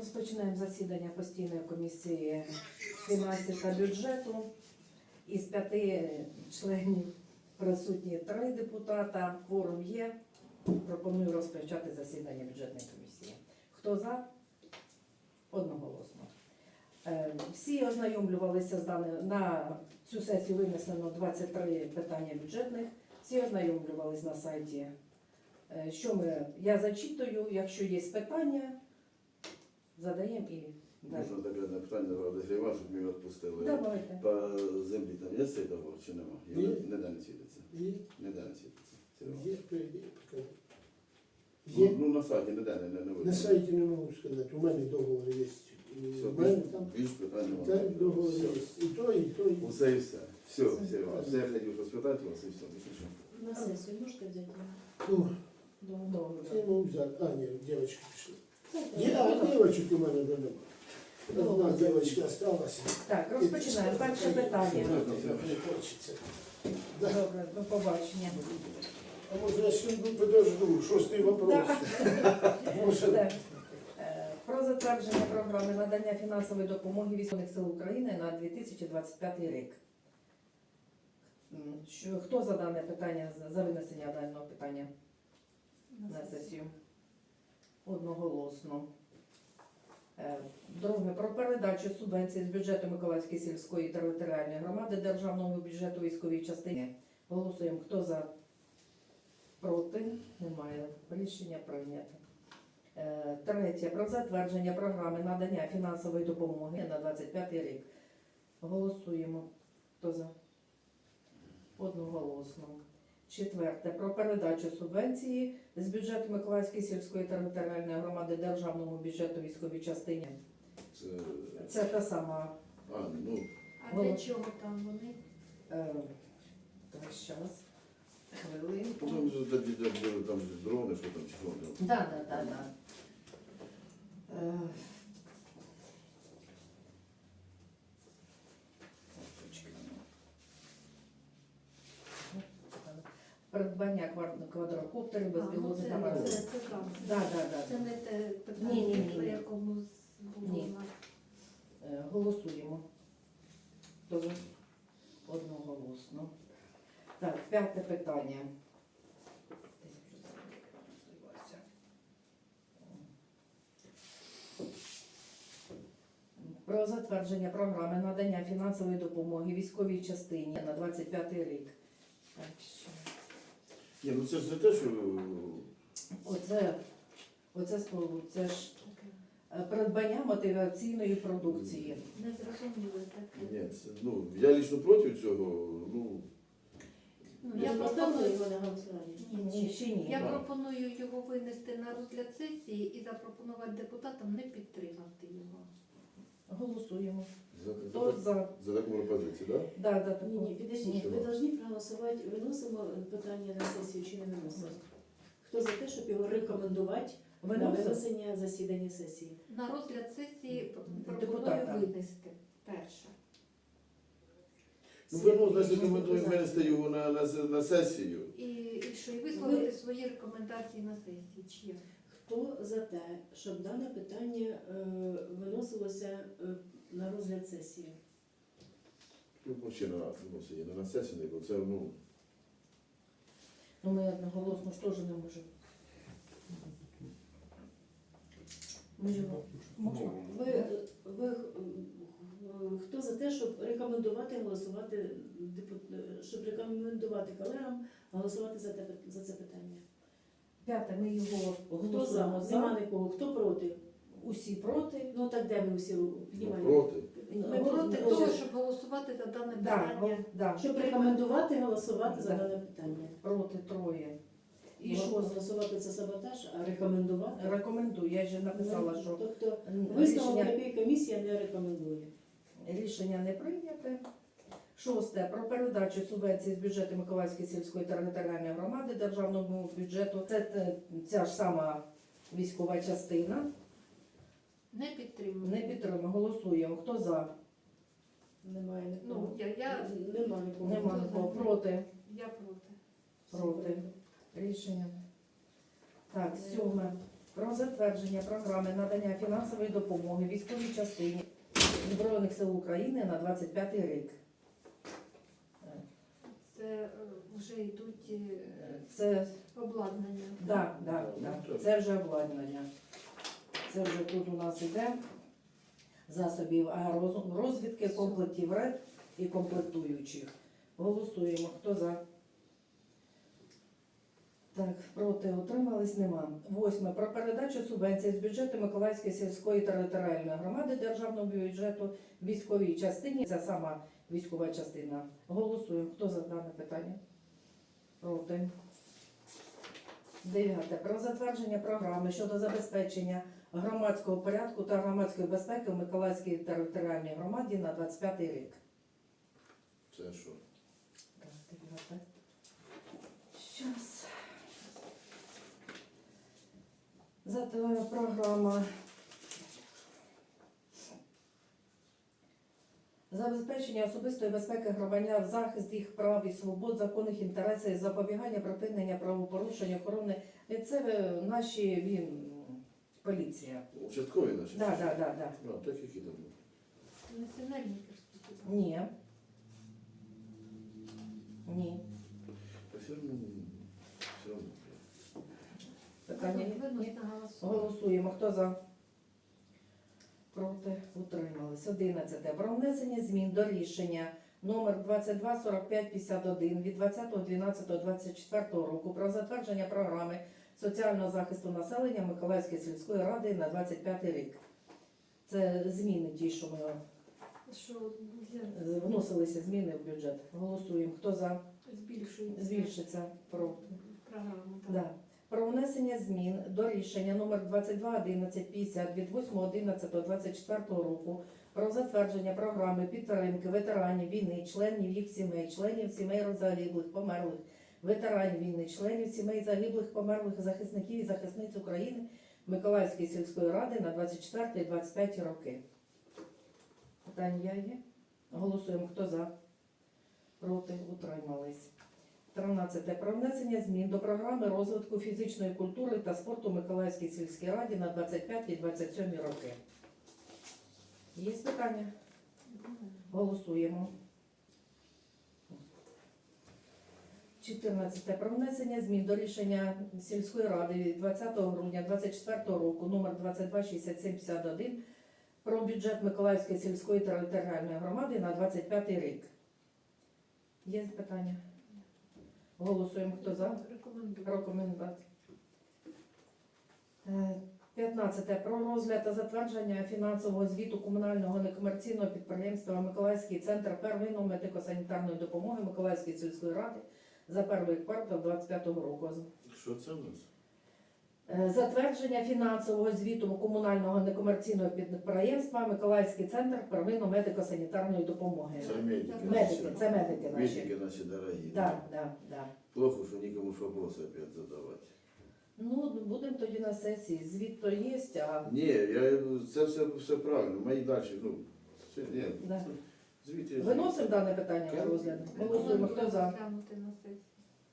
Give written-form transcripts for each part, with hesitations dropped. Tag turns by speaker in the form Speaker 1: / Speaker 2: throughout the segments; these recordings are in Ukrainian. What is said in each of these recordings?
Speaker 1: Розпочинаємо засідання постійної комісії з фінансів та бюджету. Із 5 членів присутні 3 депутата. Кворум є. Пропоную розпочати засідання бюджетної комісії. Хто за? Одноголосно. Всі ознайомлювалися з даним. На цю сесію винесено 23 питання бюджетних. Всі ознайомлювалися на сайті. Я зачитую, якщо є питання, задаємо і далі.
Speaker 2: Можна таке одне питання розігрівати, щоб ми відпустили.
Speaker 1: Давайте.
Speaker 2: По землі там є цей договор чи нема?
Speaker 3: Є.
Speaker 2: Ніде не світиться.
Speaker 3: Є,
Speaker 2: Ніде не світиться.
Speaker 3: є,
Speaker 2: Ну, на сайті ніде не видно.
Speaker 3: на сайті не можу сказати, у мене договор є.
Speaker 2: Все,
Speaker 3: У мене там
Speaker 2: більш питань
Speaker 3: так,
Speaker 2: немає.
Speaker 3: договор є. І то, і то, і то.
Speaker 2: Усе і все. Все, все я хотів розпитати вас і все. Більше нічого.
Speaker 4: На сессию можете взять?
Speaker 3: Ну,
Speaker 1: Добре.
Speaker 3: це можу взяти. А, ні, дівчатки пішли. А дівчаток у мене вже немає. Одна дівчатка осталася.
Speaker 1: Так, розпочинаємо. Перше питання.
Speaker 3: Не хочеться.
Speaker 1: Добре, до побачення.
Speaker 3: А може я ще подожду, шостий вопрос. Може,
Speaker 1: Так. Про затвердження програми надання фінансової допомоги Військових сил України на 2025 рік. Хто за дане питання, за винесення даного питання на сесію? Одноголосно. Друге. Про передачу субвенції з бюджету Миколаївської сільської територіальної громади державного бюджету військової частини. Голосуємо. Хто за? Проти? Немає. Рішення прийнято. Третє. Про затвердження програми надання фінансової допомоги на 25 рік. Голосуємо. Хто за? Одноголосно. Четверте. Про передачу субвенції з бюджету Миколаївської сільської територіальної громади державному бюджету військовій частині. Це та сама.
Speaker 2: Ну,
Speaker 4: А для чого там вони?
Speaker 1: Так, зараз. Хвилинку.
Speaker 2: там же там же дрони, що там, чи що там.
Speaker 1: Да. Придбання квадрокоптерів, безпілотних апаратів.
Speaker 4: Це там.
Speaker 1: Да.
Speaker 4: Це не те питання,
Speaker 1: Ні.
Speaker 4: по якому було
Speaker 1: Ні.
Speaker 4: у нас.
Speaker 1: Голосуємо. Хто за? Одноголосно. Так, 5 питання. Про затвердження програми надання фінансової допомоги військовій частині на 25 рік. Так, що?
Speaker 2: Ні, ну це ж не те, що...
Speaker 1: Це ж придбання мотиваційної продукції.
Speaker 4: Не зрозуміли таке.
Speaker 2: Ні, це, я лично проти цього,
Speaker 4: Я
Speaker 5: поставила
Speaker 4: пропоную,
Speaker 5: його на голосування.
Speaker 1: Ні, ще ні.
Speaker 4: я
Speaker 2: Да.
Speaker 4: пропоную його винести на розгляд сесії і запропонувати депутатам не підтримати його.
Speaker 1: Голосуємо.
Speaker 2: за
Speaker 1: Хто за?
Speaker 2: таку пропозицію, так?
Speaker 1: Да,
Speaker 5: Ні, підождіть,
Speaker 2: Чого?
Speaker 5: ви повинні проголосувати, виносимо питання на сесію чи не виносимо. Хто за те, щоб його рекомендувати на
Speaker 1: Виносимо.
Speaker 5: винесення засідання сесії?
Speaker 4: На розгляд сесії пропоную
Speaker 1: Депутата.
Speaker 4: винести перше.
Speaker 2: Ну, значить, рекомендуємо винести його на сесію.
Speaker 4: І що, і висловити свої рекомендації на сесії. Чи як?
Speaker 5: Хто за те, щоб дане питання виносилося на розгляд сесії?
Speaker 2: Ну, ще виносить, не на сесію, бо це,
Speaker 1: Ну, ми одноголосно ж теж не можемо.
Speaker 5: Хто за те, щоб рекомендувати голосувати, щоб рекомендувати колегам голосувати за це питання?
Speaker 1: 5. Ми його
Speaker 5: Хто за?
Speaker 1: голосуємо
Speaker 5: Нема
Speaker 1: за.
Speaker 5: нікого. Хто проти?
Speaker 1: Усі проти.
Speaker 5: Ну так де ви всі піднімаєте?
Speaker 2: проти.
Speaker 4: Ми проти того, щоб голосувати за дане питання.
Speaker 1: Да.
Speaker 5: Щоб рекомендувати голосувати за
Speaker 1: Да.
Speaker 5: дане питання.
Speaker 1: Проти 3. І
Speaker 5: І
Speaker 1: що?
Speaker 5: голосувати це саботаж, а рекомендувати?
Speaker 1: Рекомендую. Я ж написала, що
Speaker 5: Тобто висновок
Speaker 1: рішення,
Speaker 5: якої комісія не рекомендує.
Speaker 1: рішення не прийняте. 6. Про передачу субвенції з бюджету Миколаївської сільської територіальної громади державному бюджету. Це ця ж сама військова частина.
Speaker 4: Не підтримую.
Speaker 1: Не підтримуємо. Голосуємо. Хто за?
Speaker 5: Немає
Speaker 4: Ну,
Speaker 5: нікого.
Speaker 4: я
Speaker 5: Нема нікого.
Speaker 1: Нема нікого. Проти.
Speaker 4: проти.
Speaker 1: Проти. Рішення. Так, 7. про затвердження програми надання фінансової допомоги військовій частині Збройних сил України на 25 рік.
Speaker 4: Це вже йдуть
Speaker 1: Це
Speaker 4: обладнання.
Speaker 1: да. Це вже обладнання. Це вже тут у нас іде засобів аеророзвідки, комплектів РЕД і комплектуючих. Голосуємо. Хто за? Так, проти, утримались, нема. 8. Про передачу субвенції з бюджету Миколаївської сільської територіальної громади державного бюджету військовій частині. Це сама військова частина. Голосуємо. Хто за дане питання? Проти. 9. Про затвердження програми щодо забезпечення громадського порядку та громадської безпеки в Миколаївській територіальній громаді на 25 рік.
Speaker 2: Це що?
Speaker 1: Так, 9. Щас. Програма забезпечення особистої безпеки громадян, захист їх прав і свобод, законних інтересів, запобігання, припинення правопорушень, охорони. Це наші поліція.
Speaker 2: Участкові наші?
Speaker 1: Да.
Speaker 2: А, так які там?
Speaker 4: Національні перспективи.
Speaker 1: Ні. Ні.
Speaker 2: Та все одно.
Speaker 1: Питання є? Ні?
Speaker 4: Виносно голосувати.
Speaker 1: Голосуємо. Хто за? Проти. Утримались. 11. Про внесення змін до рішення номер 224551 від 20.12.24 року про затвердження програми соціального захисту населення Миколаївської сільської ради на 25 рік. Це зміни ті, що ми
Speaker 4: Що для
Speaker 1: вносилися зміни в бюджет. Голосуємо. Хто за?
Speaker 4: збільшується
Speaker 1: Проти.
Speaker 4: програму. так.
Speaker 1: Да. Про внесення змін до рішення номер 221150 від 8.11.24 року про затвердження програми підтримки ветеранів війни, членів їх сімей, членів сімей загиблих, померлих, ветеранів війни, членів сімей загиблих, померлих, захисників і захисниць України Миколаївської сільської ради на 24 і 25 роки. Питання є? Голосуємо. Хто за? Проти. Утримались. 13. Про внесення змін до програми розвитку фізичної культури та спорту Миколаївській сільській раді на 25 і 27 роки. Є питання? Голосуємо. 14. Про внесення змін до рішення сільської ради від 20 грудня 2024 року номер 226751 про бюджет Миколаївської сільської територіальної громади на 25 рік. Є питання? Голосуємо. Хто за?
Speaker 4: Рекомендую.
Speaker 1: Рекомендувати. 15. Про розгляд та затвердження фінансового звіту комунального некомерційного підприємства Миколаївський центр первинної медико-санітарної допомоги Миколаївської сільської ради за перший квартал 2025 року.
Speaker 2: Що це в нас?
Speaker 1: Затвердження фінансового звіту комунального некомерційного підприємства Миколаївський центр первинної медико-санітарної допомоги.
Speaker 2: Це медики.
Speaker 1: Медики, це медики наші.
Speaker 2: Медики наші дорогі.
Speaker 1: Да.
Speaker 2: Плохо, що нікому ж вопроси опять задавати.
Speaker 1: Ну, будемо тоді на сесії. Звіт то є, а
Speaker 2: Ні, це все правильно. Мої далі, ні.
Speaker 1: Да.
Speaker 2: Звідти є.
Speaker 1: Виносимо дане питання на розгляд. Голосуємо. Хто за?
Speaker 4: Розглянути на сесії.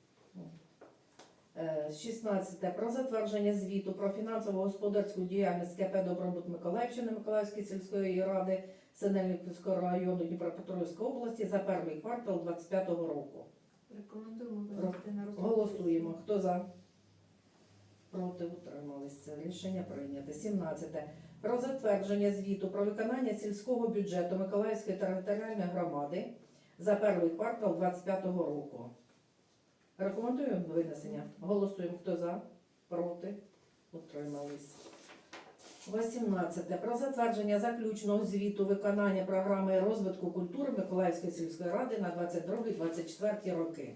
Speaker 1: 16. Про затвердження звіту про фінансово-господарську діяльність КП «Добробут Миколаївщини» Миколаївської сільської ради Синельниківського району Дніпропетровської області за перший квартал 2025 року.
Speaker 4: Рекомендуємо винести на розгляд.
Speaker 1: Голосуємо. Хто за? Проти. Утрималися. Рішення прийнято. 17. Про затвердження звіту про виконання сільського бюджету Миколаївської територіальної громади за перший квартал 2025 року. Рекомендуємо винесення. Голосуємо. Хто за? Проти. Утримались. 18. Про затвердження заключного звіту виконання програми розвитку культури Миколаївської сільської ради на 22-24 роки.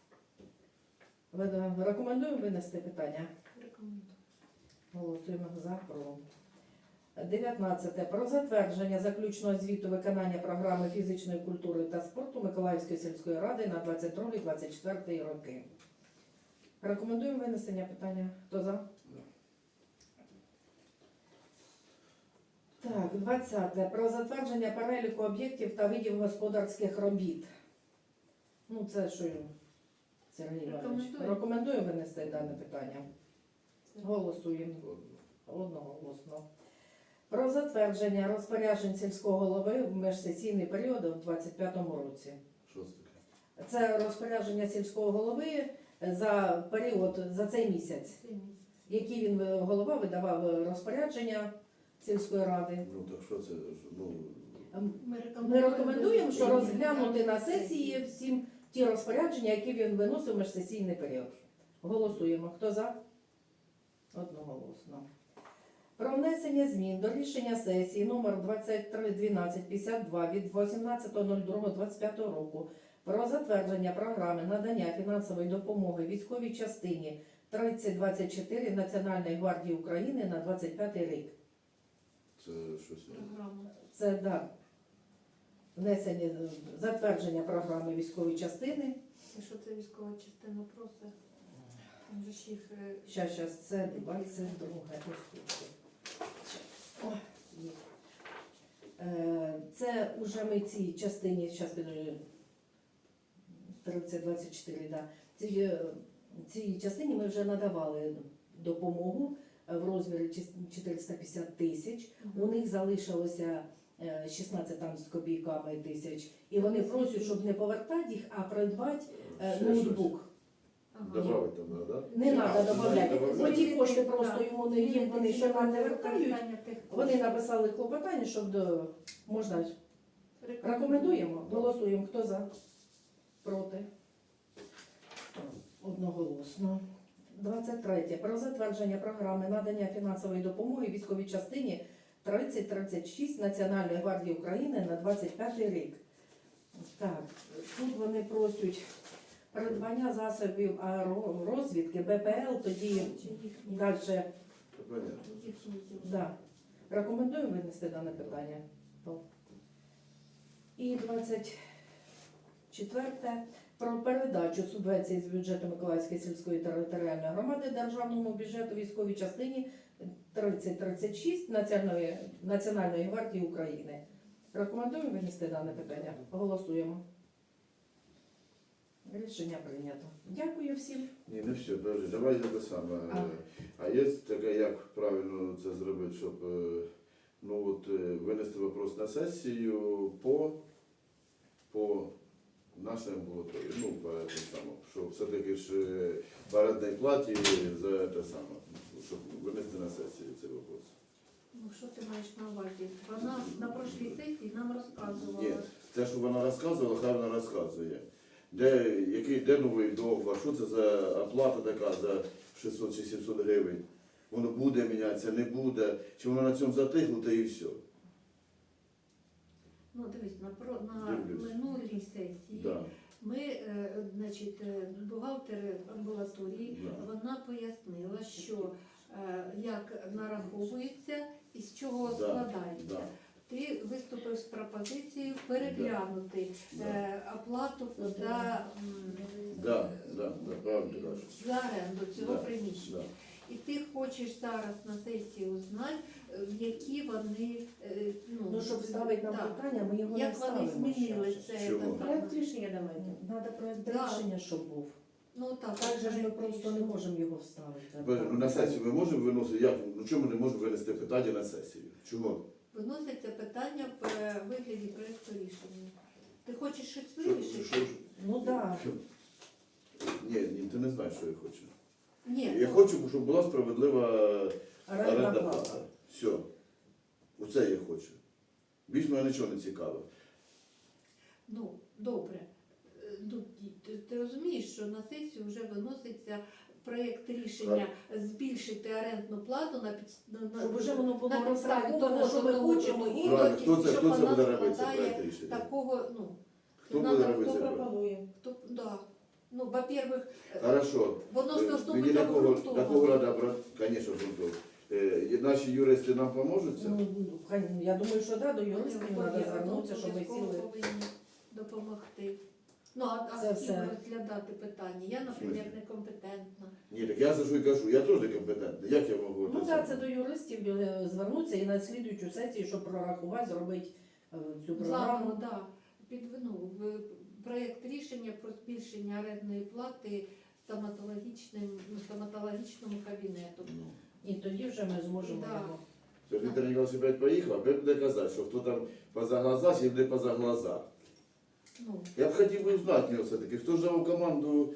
Speaker 1: Рекомендуємо винести питання.
Speaker 4: Рекомендую.
Speaker 1: Голосуємо за про. 19. Про затвердження заключного звіту виконання програми фізичної культури та спорту Миколаївської сільської ради на 22-24 роки. Рекомендуємо винесення питання. Хто за? Так, 20. Про затвердження переліку об'єктів та видів господарських робіт. Ну, це що, Сергій Іванович?
Speaker 4: Рекомендую.
Speaker 1: Рекомендую винести дане питання. Голосуємо.
Speaker 2: Ладно.
Speaker 1: Одноголосно. Про затвердження розпоряджень сільського голови в межсесійний період у 2025 році.
Speaker 2: Що це таке?
Speaker 1: Це розпорядження сільського голови за період, за цей місяць,
Speaker 4: Це місяць.
Speaker 1: який він голова видавав розпорядження сільської ради.
Speaker 2: Ну так що це? Ну,
Speaker 1: Ми рекомендуємо, що розглянути на сесії всім ті розпорядження, які він виносив в межсесійний період. Голосуємо. Хто за? Одноголосно. Про внесення змін до рішення сесії номер 231252 від 18.02.25 року про затвердження програми надання фінансової допомоги військовій частині 3024 Національної гвардії України на 25 рік.
Speaker 2: це щось.
Speaker 4: Програма.
Speaker 1: Це да, внесення, затвердження програми військової частини.
Speaker 4: І що це військова частина просить? Там же ж їх
Speaker 1: Щас, це 22 послухайте. Ой, є. Це вже ми цій частині, зараз 3024, да. Цій частині ми вже надавали допомогу в розмірі 450 тисяч. У них залишилося 16 там з копійками тисяч. І вони просять, щоб не повертати їх, а придбати
Speaker 2: Ще
Speaker 1: ноутбук.
Speaker 2: Добавити там, да?
Speaker 1: Не треба додавати.
Speaker 2: добавляти.
Speaker 1: Оті кошти просто йому не їм, вони ще нам не вертають. Вони написали клопотання, щоб можна. Рекомендуємо, голосуємо. Хто за? Проти? Одноголосно. 23. Про затвердження програми надання фінансової допомоги військовій частині 3036 Національної гвардії України на 25 рік. Так, тут вони просять придбання засобів розвідки, БПЛ, тоді далі.
Speaker 2: Це понятно.
Speaker 1: Да. Рекомендуємо винести дане питання. І 24. Про передачу субвенції з бюджету Миколаївської сільської територіальної громади державному бюджету військовій частині 3036 Національної гвардії України. Рекомендуємо винести дане питання. Голосуємо. Рішення прийнято. Дякую всім.
Speaker 2: Ні, не все, подожди, давай те саме. А є таке, як правильно це зробити, щоб винести вопрос на сесію по нашій амбулаторії, по тим самому, що все-таки ж по арендній платі за те саме, щоб винести на сесію цей вопрос.
Speaker 4: Ну що ти маєш на увазі? Вона на прошлій сесії нам розказувала.
Speaker 2: Ні, те, що вона розказувала, хай вона розказує. Де новий договор, що це за оплата така за 600 чи 700 гривень? Воно буде мінятися, не буде, чи воно на цьому затихло, та і все.
Speaker 4: Ну дивись, на
Speaker 2: Дивлюсь.
Speaker 4: минулій сесії
Speaker 2: Да.
Speaker 4: ми, бухгалтер амбулаторії,
Speaker 2: Да.
Speaker 4: вона пояснила, що як нараховується і з чого
Speaker 2: Да,
Speaker 4: складається.
Speaker 2: да.
Speaker 4: Ти виступив з пропозицією переглянути оплату за,
Speaker 2: Да, правильно ти кажеш.
Speaker 4: за оренду цього
Speaker 2: Да,
Speaker 4: приміщення.
Speaker 2: да.
Speaker 4: І ти хочеш зараз на сесії узнати, які вони,
Speaker 1: Ну, щоб ставити нам
Speaker 4: так,
Speaker 1: питання, ми його не
Speaker 4: як вони
Speaker 1: ставимо.
Speaker 4: змінили
Speaker 1: щас.
Speaker 4: це.
Speaker 2: Чому?
Speaker 4: те
Speaker 5: Проект
Speaker 4: саме.
Speaker 5: рішення давайте.
Speaker 1: Треба проєкт
Speaker 4: Да.
Speaker 1: рішення, щоб був.
Speaker 4: Ну так,
Speaker 1: Так же ж ми
Speaker 4: проект
Speaker 1: просто не
Speaker 4: рішення.
Speaker 1: можемо його вставити.
Speaker 2: Ну, на сесію ми можемо виносити? Як? Ну чому ми не можемо винести питання на сесію? Чому?
Speaker 4: Виноситься питання в вигляді проєкту рішення. Ти хочеш щось
Speaker 2: Що-
Speaker 4: вирішити?
Speaker 2: що-
Speaker 1: Ну так.
Speaker 2: Ні, ти не знаєш, що я хочу.
Speaker 4: Ні.
Speaker 2: Я хочу, щоб була справедлива
Speaker 1: Орендна
Speaker 2: орендна
Speaker 1: плата.
Speaker 2: плата. Все. Оце я хочу. Більш мене нічого не цікаво.
Speaker 4: Ну, добре. Ну, ти розумієш, що на сесію вже виноситься проєкт рішення збільшити орендну плату
Speaker 1: Щоб вже воно було
Speaker 4: на підставі
Speaker 1: розраховано,
Speaker 4: того,
Speaker 1: що ми
Speaker 4: договору
Speaker 1: хочемо.
Speaker 4: договору,
Speaker 2: Правильно, хто це
Speaker 4: щоб
Speaker 2: буде
Speaker 4: вона
Speaker 2: робити це
Speaker 4: складає
Speaker 2: проект рішення?
Speaker 4: такого,
Speaker 2: Хто
Speaker 4: надо,
Speaker 2: буде робити
Speaker 5: Хто
Speaker 2: це проект?
Speaker 5: пропонує?
Speaker 4: да. Ну, во-первых,
Speaker 2: Хорошо.
Speaker 4: воно ж должно
Speaker 2: Мені
Speaker 4: бути
Speaker 2: на кого
Speaker 4: обґрунтовано.
Speaker 2: треба брати? Звісно, обґрунтовано. Наші юристи нам поможуть це?
Speaker 1: Ну, я думаю, що да, до юристів
Speaker 4: Ні,
Speaker 1: треба
Speaker 4: ні,
Speaker 1: звернутися, щоб ми
Speaker 4: обов'язково
Speaker 1: сіли.
Speaker 4: повинні допомогти. Ну, а
Speaker 1: Це
Speaker 4: з ким
Speaker 1: все.
Speaker 4: розглядати питання? Я, наприклад, некомпетентна.
Speaker 2: Ні, так я за що й кажу, я теж некомпетентний. Як я можу?
Speaker 1: Ну так, це до юристів звернутися і на слідуючу сесію, щоб прорахувати, зробити цю програму.
Speaker 4: Заново, да. В проєкт рішення про збільшення орендної плати стоматологічному кабінету.
Speaker 2: Ну,
Speaker 1: І тоді вже ми зможемо
Speaker 4: Да.
Speaker 1: його.
Speaker 2: Це ж Віктор Ніколаївич опять поїхав, опять буде казати, що хто там поза глаза, чи буде поза глаза.
Speaker 4: Ну,
Speaker 2: Я б хотів би знати в нього все-таки, хто ж дав команду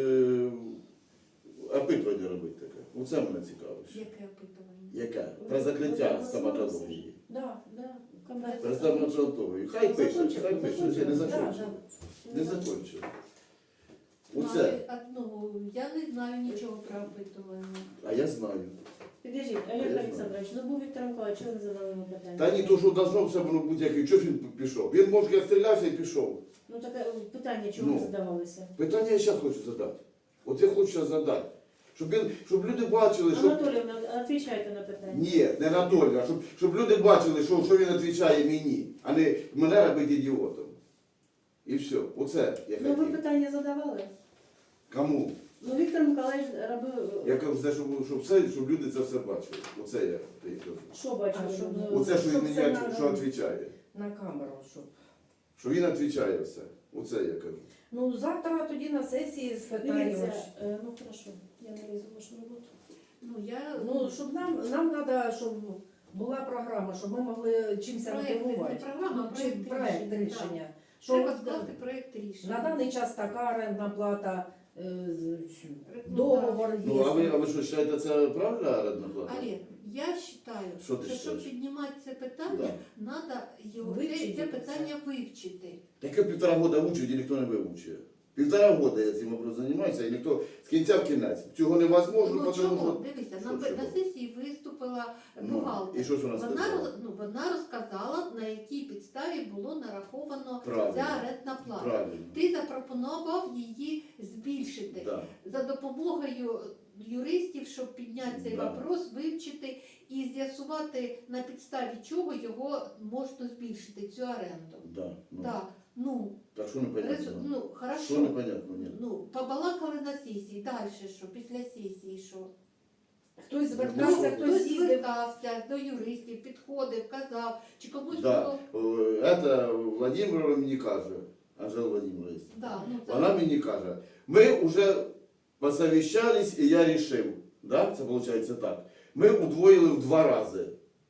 Speaker 2: опитування робити таке. Оце мене цікавить.
Speaker 4: яке опитування?
Speaker 2: Яке? Про закриття стоматології.
Speaker 1: Да.
Speaker 5: Да, комбат.
Speaker 2: Про стоматологію. Хай пише, хай пише, ще не
Speaker 1: Да,
Speaker 2: закончив.
Speaker 1: да.
Speaker 2: Не закончив.
Speaker 4: Ну,
Speaker 2: Оце.
Speaker 4: ну, я не знаю нічого про опитування.
Speaker 2: А я знаю.
Speaker 5: Підождіть,
Speaker 2: Я
Speaker 5: Олег
Speaker 2: знаю.
Speaker 5: Олександрович, ну був Віктор Миколаївич, чого ви задали йому питання?
Speaker 2: Та ні, то що должно все воно бути який. Чого ж він пішов? Він може я стрілявся і пішов.
Speaker 5: Ну таке питання, чого
Speaker 2: Ну.
Speaker 5: ви задавалися?
Speaker 2: Питання я зараз хочу задати. От я хочу зараз задати. Щоб люди бачили, що...
Speaker 5: Анатоліївна, відповідайте на питання.
Speaker 2: Ні, не Анатолій, а щоб люди бачили, що він відповідає мені, а не мене робити ідіотом. І все. Оце я
Speaker 5: Ну ви
Speaker 2: хотів.
Speaker 5: питання задавали?
Speaker 2: Кому?
Speaker 5: Ну Віктор Миколаївич робив,
Speaker 2: Я кажу, все, щоб люди це все бачили. Оце я кажу.
Speaker 5: що бачили?
Speaker 1: А, щоб,
Speaker 5: Ну,
Speaker 2: Оце, що він
Speaker 1: Щоб
Speaker 2: мені
Speaker 1: це на-
Speaker 2: що відповідає.
Speaker 1: На камеру, щоб.
Speaker 2: Що він відповідає все. Оце я кажу.
Speaker 1: Ну, завтра тоді на сесії спитаємо.
Speaker 5: Дивіться, ну хорошо, я не лізу в вашу роботу.
Speaker 4: Ну, я,
Speaker 1: Ну, щоб нам треба, щоб була програма, щоб ми могли чимось
Speaker 4: проект,
Speaker 1: мотивувати.
Speaker 4: не програма, а
Speaker 1: Чи
Speaker 4: проект рішення.
Speaker 1: рішення.
Speaker 4: Так. Треба
Speaker 1: Що
Speaker 4: скласти проект рішення.
Speaker 1: на даний час така орендна плата,
Speaker 4: Ну,
Speaker 1: договор є.
Speaker 2: Ну, а ви що, вважаєте, це правильна орендна плата?
Speaker 4: Олег, я вважаю,
Speaker 2: Що ти
Speaker 4: що щоб
Speaker 2: вважаєш?
Speaker 4: піднімати це питання, треба
Speaker 1: Вивчити
Speaker 4: це
Speaker 1: це.
Speaker 4: питання вивчити.
Speaker 2: Таке 1,5 року учить і ніхто не вивчує. 1,5 року я цим образом займаюся, і ніхто з кінця в кінець. Цього невозможно,
Speaker 4: Ну
Speaker 2: тому
Speaker 4: чому?
Speaker 2: що...
Speaker 4: Дивися,
Speaker 2: Що,
Speaker 4: на
Speaker 2: чого?
Speaker 4: сесії виступила
Speaker 2: Ну,
Speaker 4: бухгалтер.
Speaker 2: і що ж вона
Speaker 4: Вона,
Speaker 2: сказала?
Speaker 4: вона розказала, на якій підставі було нараховано
Speaker 2: Правильно.
Speaker 4: ця орендна плата.
Speaker 2: Правильно.
Speaker 4: Ти запропонував її збільшити
Speaker 2: Да.
Speaker 4: за допомогою юристів, щоб підняти цей
Speaker 2: Да.
Speaker 4: вопрос, вивчити і з'ясувати, на підставі чого його можна збільшити, цю оренду.
Speaker 2: Да. Ну.
Speaker 4: Так, ну,
Speaker 2: Так що непонятно?
Speaker 4: ну,
Speaker 2: Що
Speaker 4: хорошо.
Speaker 2: непонятно? Ні.
Speaker 4: Ну, побалакали на сесії, далі що, після сесії що?
Speaker 1: Хтось звертався,
Speaker 2: Ну,
Speaker 1: хтось їздив.
Speaker 4: звертався до юристів, підходив, казав, чи комусь
Speaker 2: Да.
Speaker 4: було.
Speaker 2: Это Владимир мені каже, Анжела Владимировна,
Speaker 4: Да, ну, це-
Speaker 2: вона мені каже, ми вже посовіщались і я рішив. Да? Це виходить так. Ми удвоїли в 2 рази.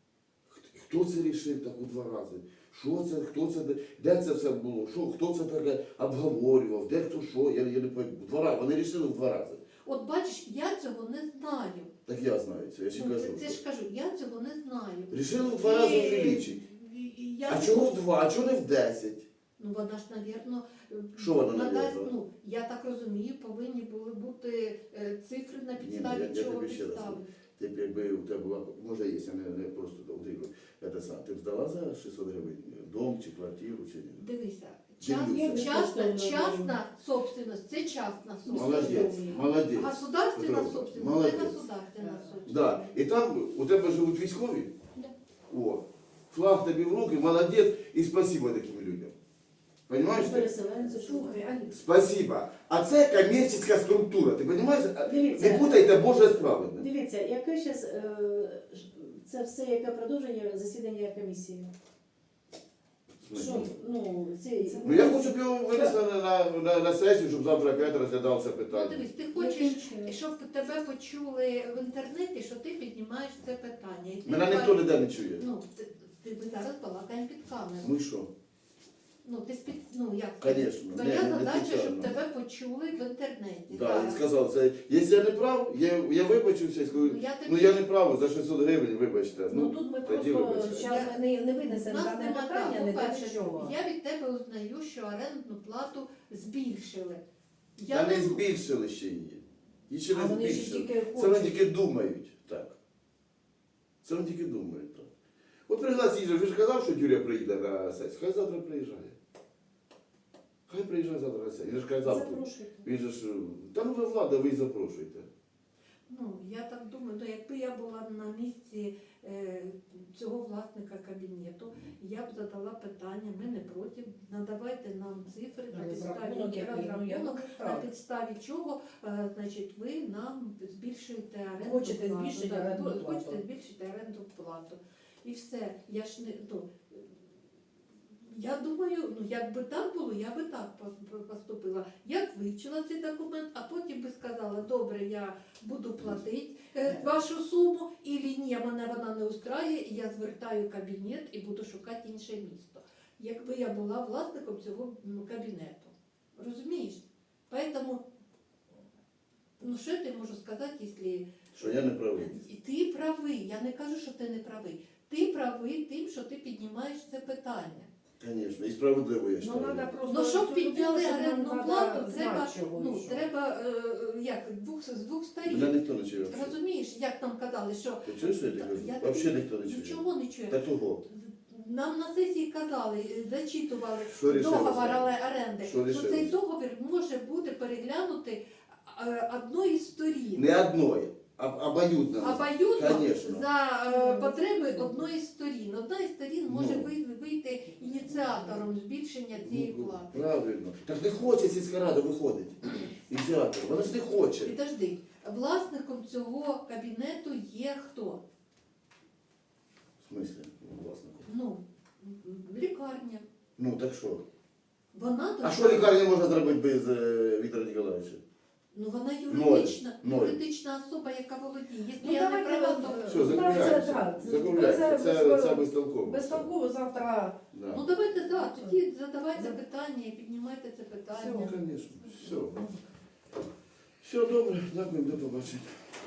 Speaker 2: Хто це рішив так у 2 рази? Що це, хто це, де це все було? Що, хто це таке обговорював, де хто що, я не пам'ятаю. 2 рази. Вони рішили в 2 рази.
Speaker 4: От бачиш, я цього не знаю.
Speaker 2: Так я знаю це, я ще
Speaker 4: Ну,
Speaker 2: кажу.
Speaker 4: це ж кажу, я цього не знаю.
Speaker 2: Рішили в 2 рази увеличити. А чого в 2, а чого не в 10?
Speaker 4: Ну вона ж, навірно,
Speaker 2: Що вона,
Speaker 4: надасть,
Speaker 2: навірно?
Speaker 4: ну, я так розумію, повинні були бути цифри, на
Speaker 2: Ні,
Speaker 4: підставі
Speaker 2: я
Speaker 4: чого
Speaker 2: тобі ще раз
Speaker 4: підстави.
Speaker 2: Ти б якби у тебе була, може є, я не просто утримую. Ти б здала за 600 гривень дом чи квартиру, чи ні?
Speaker 4: Дивися,
Speaker 2: Дивлюся.
Speaker 4: частна собственность, це частна собственность.
Speaker 2: Молодець, молодець.
Speaker 4: Государственна
Speaker 2: Петро,
Speaker 4: собственность,
Speaker 2: молодець.
Speaker 4: це государственна собственность.
Speaker 2: Да. І там у тебе живуть військові?
Speaker 4: Да.
Speaker 2: О, флаг тобі в руки, молодець, і спасибо таким людям. Понимаєш? ти?
Speaker 5: Переселенці.
Speaker 1: Слухай, Алі,
Speaker 2: Спасибо. А це комерційна структура, ти розумієш?
Speaker 5: Дивіться.
Speaker 2: Не путайте Боже з праведним.
Speaker 5: Дивіться, яке зараз це все яке продовження засідання комісії? Що, ну,
Speaker 2: Ну я хочу, щоб його винесли на сесію, щоб завтра опять розглядався
Speaker 4: Ну
Speaker 2: питання.
Speaker 4: дивись, ти
Speaker 5: Яким
Speaker 4: хочеш,
Speaker 5: чином?
Speaker 4: щоб тебе почули в інтернеті, що ти піднімаєш це питання. І ти
Speaker 2: Мене ніхто ніде не чує.
Speaker 4: Ну, ми зараз балакаємо під камеру.
Speaker 2: Ну і що?
Speaker 4: Ну, ти як?
Speaker 2: Конечно.
Speaker 4: Твоя
Speaker 2: Не
Speaker 4: задача, щоб
Speaker 2: спеціально.
Speaker 4: тебе почули в інтернеті.
Speaker 2: Да,
Speaker 4: зараз.
Speaker 2: і сказав, це, якщо я не прав, я вибачився і скажу,
Speaker 4: Ну, я тобі-
Speaker 2: ну я не прав, за 600 гривень, вибачте.
Speaker 1: ну тут ми
Speaker 2: тоді
Speaker 1: просто
Speaker 2: вибачайте.
Speaker 1: зараз не
Speaker 4: У
Speaker 1: винесемо
Speaker 4: нас
Speaker 1: дане
Speaker 4: нема
Speaker 1: питання,
Speaker 4: так,
Speaker 1: не до
Speaker 4: по-перше,
Speaker 1: чого.
Speaker 4: я від тебе узнаю, що орендну плату збільшили.
Speaker 2: Та не збільшили ще її. Її ще
Speaker 1: А
Speaker 2: не
Speaker 1: вони ж
Speaker 2: збільшили.
Speaker 1: тільки
Speaker 2: Це вони
Speaker 1: хочуть.
Speaker 2: тільки думають, так. Це вони тільки думають, так. От пригласіть же, ви ж казав, що Юрія приїде на сесію. Хай завтра приїжджає. Хай приїжджає завтра на сесію. Він ж казав,
Speaker 5: Запрошуйте.
Speaker 2: він же ж, та ну ви влада, ви й запрошуйте.
Speaker 4: Ну, я так думаю, ну, якби я була на місці цього власника кабінету, я б задала питання, ми не проти, надавайте нам цифри на підставі
Speaker 1: Розрахунок який, ну, я
Speaker 4: розрахунок,
Speaker 1: думаю,
Speaker 4: на
Speaker 1: так.
Speaker 4: підставі чого, значить, ви нам збільшуєте оренду
Speaker 1: Хочете
Speaker 4: плату.
Speaker 1: збільшити
Speaker 4: Да,
Speaker 1: орендну
Speaker 4: Хочете
Speaker 1: плату.
Speaker 4: збільшити оренду плату. І все. Я ж не, ну, Я думаю, ну якби так було, я би так поступила. Я б вивчила цей документ, а потім би сказала, добре, я буду платити вашу суму, і ні, мене вона не устраює, і я звертаю кабінет і буду шукати інше місто. Якби я була власником цього кабінету. Розумієш? Поэтому, ну що я можу сказати, якщо...
Speaker 2: Що я не правий.
Speaker 4: І ти правий, я не кажу, що ти не правий. Ти правий тим, що ти піднімаєш це питання.
Speaker 2: Звісно, і справедливо я
Speaker 1: Ну,
Speaker 2: вважаю.
Speaker 1: треба просто
Speaker 4: Ну, щоб
Speaker 1: цю
Speaker 4: підняли
Speaker 1: людину, щоб
Speaker 4: орендну
Speaker 1: нам
Speaker 4: плату,
Speaker 1: треба
Speaker 4: треба,
Speaker 1: знати, чого
Speaker 4: ну,
Speaker 1: і що.
Speaker 4: треба з двох
Speaker 2: Мене
Speaker 4: сторін.
Speaker 2: ніхто не чує.
Speaker 4: Розумієш, як нам казали, що
Speaker 2: Ти чуєш, що я тобі кажу?
Speaker 4: Я
Speaker 2: Взагалі ніхто не чує.
Speaker 4: нічого не чує.
Speaker 2: Та того.
Speaker 4: Нам на сесії казали, зачитували
Speaker 2: Що рішили
Speaker 4: договор
Speaker 2: зараз?
Speaker 4: оренди,
Speaker 2: Що
Speaker 4: що
Speaker 2: рішили?
Speaker 4: цей договір може бути переглянутий одної з сторін.
Speaker 2: Не одної, а обоюдно.
Speaker 4: Обоюдно
Speaker 2: Конечно.
Speaker 4: за потреби одної з сторін. Одна із сторін може
Speaker 2: Ну.
Speaker 4: вийти ініціатором збільшення цієї плати.
Speaker 2: Правильно. Так не хоче сільська рада виходить. Ініціатор. Вона ж не хоче.
Speaker 4: Підожди, власником цього кабінету є хто?
Speaker 2: В смислі, власнику?
Speaker 4: Ну, лікарня.
Speaker 2: Ну так що?
Speaker 4: Вона
Speaker 2: А що лікарня можна зробити без Віктора Ніколаєвича?
Speaker 4: Ну вона
Speaker 2: Ноль.
Speaker 4: юридична особа, яка володіє. Якщо
Speaker 1: Ну,
Speaker 4: я не
Speaker 1: давайте
Speaker 4: права,
Speaker 1: вам,
Speaker 4: то...
Speaker 2: Все, закругляється. Закругляється. Це безтолково.
Speaker 1: Безтолково завтра.
Speaker 2: Да.
Speaker 4: Ну давайте, да, тоді задавайте питання і піднімайте це питання.
Speaker 2: Ну, звісно. Все. Все добре. Дякую, до побачення.